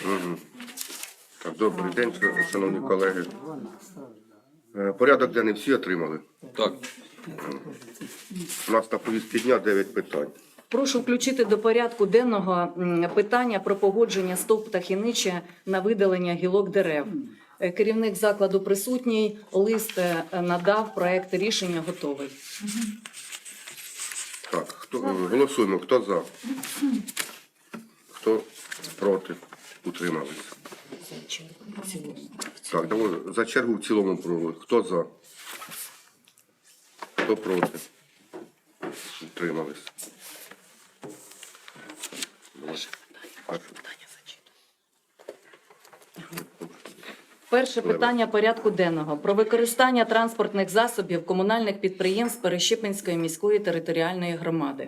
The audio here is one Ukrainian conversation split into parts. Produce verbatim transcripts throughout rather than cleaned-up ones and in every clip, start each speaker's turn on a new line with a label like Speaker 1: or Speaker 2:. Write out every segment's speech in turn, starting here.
Speaker 1: Угу. Так, добрий день, шановні колеги. Е, Порядок денний всі отримали?
Speaker 2: Так.
Speaker 1: У нас на повістці дня дев'ять питань.
Speaker 3: Прошу включити до порядку денного м, питання про погодження СТОВ «Птахиниче» на видалення гілок дерев. Е, Керівник закладу присутній, лист е, надав, проект рішення готовий.
Speaker 1: Так, хто, е, голосуємо. Хто за? Хто проти? Утримались. Так, давай за чергу в цілому провели. Хто за? Хто проти? Утримались.
Speaker 3: Перше питання порядку денного про використання транспортних засобів комунальних підприємств Перещепинської міської територіальної громади.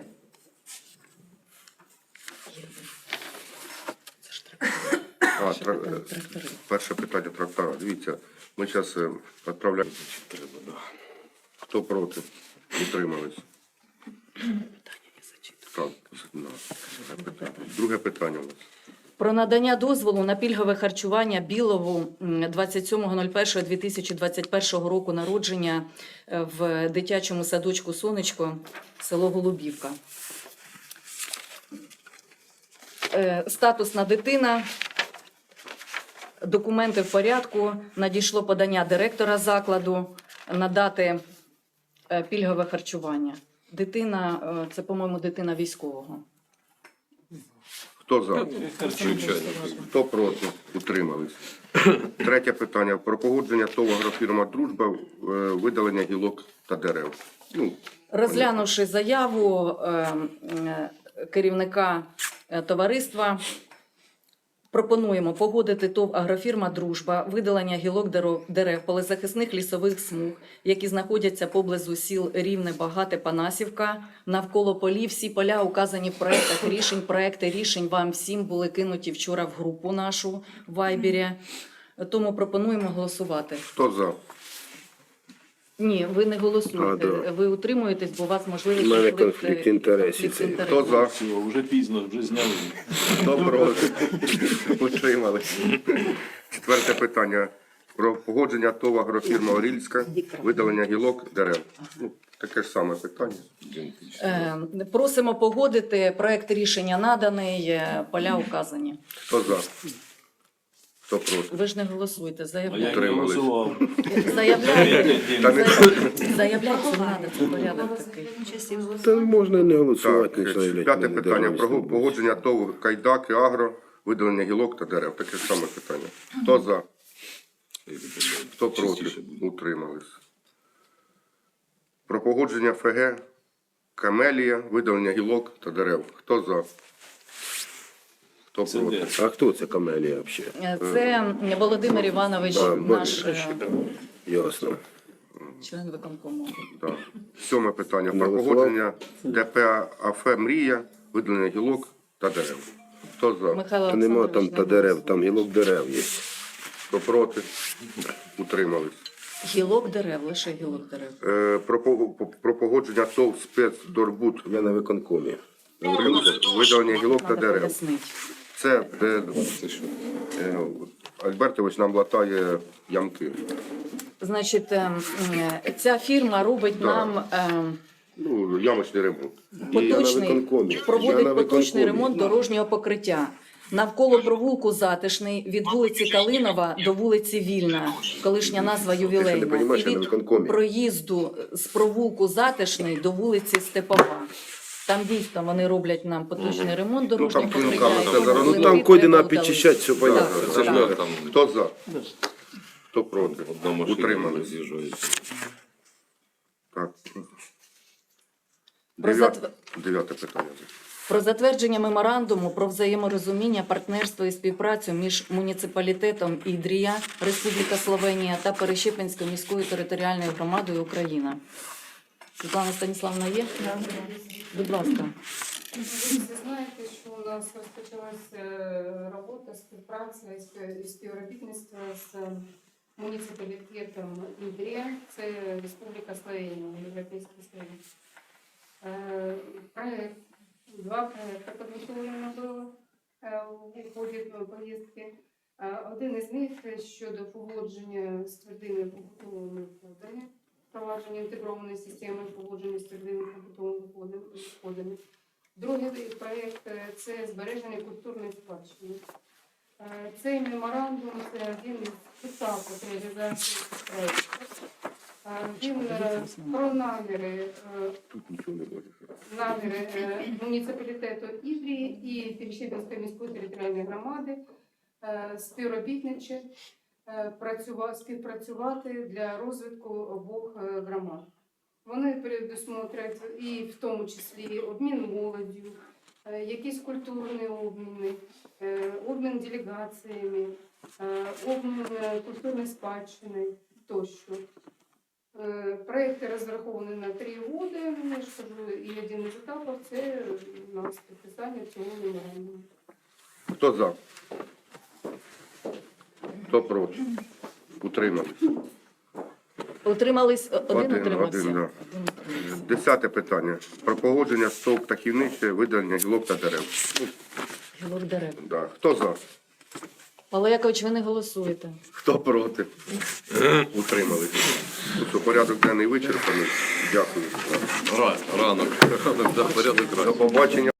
Speaker 1: А, тра... перше питання трактора. Дивіться, ми зараз відправляємо. Хто проти? Утримались. Так, на. Друге питання у нас.
Speaker 3: Про надання дозволу на пільгове харчування Білову двадцять сьомого першого дві тисячі двадцять першого року народження в дитячому садочку «Сонечко», село Голубівка. Е, Статусна дитина, документи в порядку, надійшло подання директора закладу надати е, пільгове харчування. Дитина, е, це, по-моєму, дитина військового.
Speaker 1: Хто за?
Speaker 2: Звичайно.
Speaker 1: Хто проти? Утримались. Третє питання. Про погодження ТОВ «Агрофірма Дружба», е, видалення гілок та дерев. Ну,
Speaker 3: Розглянувши заяву е, е, керівника е, товариства, пропонуємо погодити ТОВ «Агрофірма Дружба» видалення гілок дерев, дерев полезахисних лісових смуг, які знаходяться поблизу сіл Рівне, Багате, Панасівка, навколо полів. Всі поля указані в проектах рішень. Проекти рішень вам всім були кинуті вчора в групу нашу в Вайбері. Тому пропонуємо голосувати.
Speaker 1: хто за?
Speaker 3: Ні, ви не голосуєте.
Speaker 4: А, да.
Speaker 3: Ви утримуєтесь, бо у вас можливість
Speaker 4: У мене
Speaker 3: конфлікт,
Speaker 4: конфлікт інтересів.
Speaker 3: конфлікт інтересів.
Speaker 1: Хто за?
Speaker 2: Все, вже пізно, вже зняли.
Speaker 1: Хто проти? Утримались. Четверте питання. Про погодження ТОВ «Агрофірма Орільська», видалення гілок, дерев. Ну, таке ж саме питання.
Speaker 3: Е, Просимо погодити. Проект рішення наданий, е, поля указані.
Speaker 1: Хто за? Хто проти?
Speaker 3: Ви ж не голосуєте,
Speaker 2: А я
Speaker 3: заявляйте.
Speaker 2: не
Speaker 1: Утримались.
Speaker 2: голосував.
Speaker 3: Заявляйте.
Speaker 1: Та не-
Speaker 3: Заявляйте, не треба, це порядок такий.
Speaker 4: Та можна і не
Speaker 1: Так,
Speaker 4: голосувати, не заявляти.
Speaker 1: п'яте
Speaker 4: мене
Speaker 1: питання.
Speaker 4: державні
Speaker 1: Про
Speaker 4: служби.
Speaker 1: погодження ТОВ «Кайдак» і «Агро», видалення гілок та дерев. Таке ж саме питання. Хто за? Хто проти? Утримались. Про погодження ФГ «Камелія», видалення гілок та дерев. Хто за? Хто
Speaker 2: Це
Speaker 1: проти?
Speaker 2: де?
Speaker 4: А хто це камелія взагалі?
Speaker 3: Е, Це Володимир Іванович,
Speaker 4: Да,
Speaker 3: наш е,
Speaker 4: Ясно.
Speaker 3: член виконкому.
Speaker 1: Так. Сьоме питання. Про
Speaker 4: Голосував?
Speaker 1: погодження ДП АФ «Мрія», видалення гілок та дерев. Хто за?
Speaker 3: Михайло
Speaker 4: Та нема там
Speaker 3: Олександрович,
Speaker 4: та
Speaker 3: не
Speaker 4: дерев, там гілок дерев є.
Speaker 1: Хто проти? Утримались.
Speaker 3: Гілок дерев, лише гілок дерев.
Speaker 1: Е, Про, по- по- про погодження ТОВ «Спецдорбуд»,
Speaker 4: Я на виконкомі.
Speaker 1: видалення гілок та
Speaker 3: Треба
Speaker 1: дерев.
Speaker 3: пояснити.
Speaker 1: Це де е, Альбертович нам латає ямки.
Speaker 3: Значить, е, е, ця фірма робить
Speaker 1: Да.
Speaker 3: нам е,
Speaker 1: Ну, ямочний ремонт.
Speaker 3: поточний,
Speaker 4: виконкомі. Я
Speaker 3: проводить
Speaker 4: на
Speaker 3: поточний
Speaker 4: виконкомі.
Speaker 3: ремонт дорожнього покриття. Навколо провулку Затишний, від вулиці Калинова до вулиці Вільна, колишня назва
Speaker 4: Ти
Speaker 3: ювілейна.
Speaker 4: що, не понімаєш,
Speaker 3: І
Speaker 4: я на виконкомі.
Speaker 3: від проїзду з провулку Затишний до вулиці Степова. Там дійсно вони роблять нам поточний ремонт дорожнього
Speaker 1: там
Speaker 3: покриття.
Speaker 1: клинками
Speaker 3: і
Speaker 1: все зараз.
Speaker 3: тому
Speaker 4: Ну там
Speaker 3: плити
Speaker 4: коди
Speaker 3: треба
Speaker 4: на підчищати, все
Speaker 3: удалити.
Speaker 4: понятно.
Speaker 3: Так,
Speaker 4: Це ж
Speaker 3: так.
Speaker 4: не-
Speaker 2: Там
Speaker 1: Хто за? Хто проти?
Speaker 2: одна машина
Speaker 1: Утримались.
Speaker 2: роз'їжджається.
Speaker 1: Так.
Speaker 3: Про
Speaker 1: Дев'яте,
Speaker 3: затв-
Speaker 1: дев'яте питання.
Speaker 3: Про затвердження меморандуму про взаєморозуміння, партнерство і співпрацю між муніципалітетом Ідрія, Республіка Словенія та Перещепинською міською територіальною громадою Україна. Світлана Станіславна є? Будь ласка.
Speaker 5: Ви знаєте, що у нас розпочалася е, робота, співпраця і спів- і співробітництво з муніципалітетом Ідрія, це Республіка Словенія, Європейська Словенія. Е, Проект, два проекти підготовлено було. е, у ході поїздки. Е, Один із них щодо погодження з твердими побутовими відходами, впровадження інтегрованої системи поводження з твердими побутовими відходами. Другий проєкт е, – це збереження культурної спадщини. Е, Цей меморандум – це один із етапів реалізації проєкту. Е, Він е, про наміри, е,
Speaker 1: Тут нічого не буде.
Speaker 5: наміри е, муніципалітету Ідрії і Перещепінської міської територіальної громади е, співробітничати, е, працюва- співпрацювати для розвитку обох е, громад. Вони передусмотрять і в тому числі обмін молоддю, е, якісь культурні обміни, е, обмін делегаціями, е, обмін е, культурної спадщини тощо. Е, Проекти розраховані на три роки, я ж кажу, і один із етапів – це у нас підписання цього меморандуму.
Speaker 1: Хто за? Хто проти? Утримались.
Speaker 3: Утримались, один
Speaker 1: Один,
Speaker 3: утримався.
Speaker 1: один, да.
Speaker 3: Один утримався.
Speaker 1: Десяте питання. Про погодження стовп птахівниче, видалення гілок та дерев. Ну,
Speaker 3: Гілок дерев.
Speaker 1: да. Хто за?
Speaker 3: Павло Якович, ви не голосуєте.
Speaker 1: Хто проти? Утримались. Ну, що, порядок денний вичерпаний. Дякую.
Speaker 2: Ра- Ранок. Ранок, да, порядок
Speaker 1: До
Speaker 2: ранок.
Speaker 1: побачення.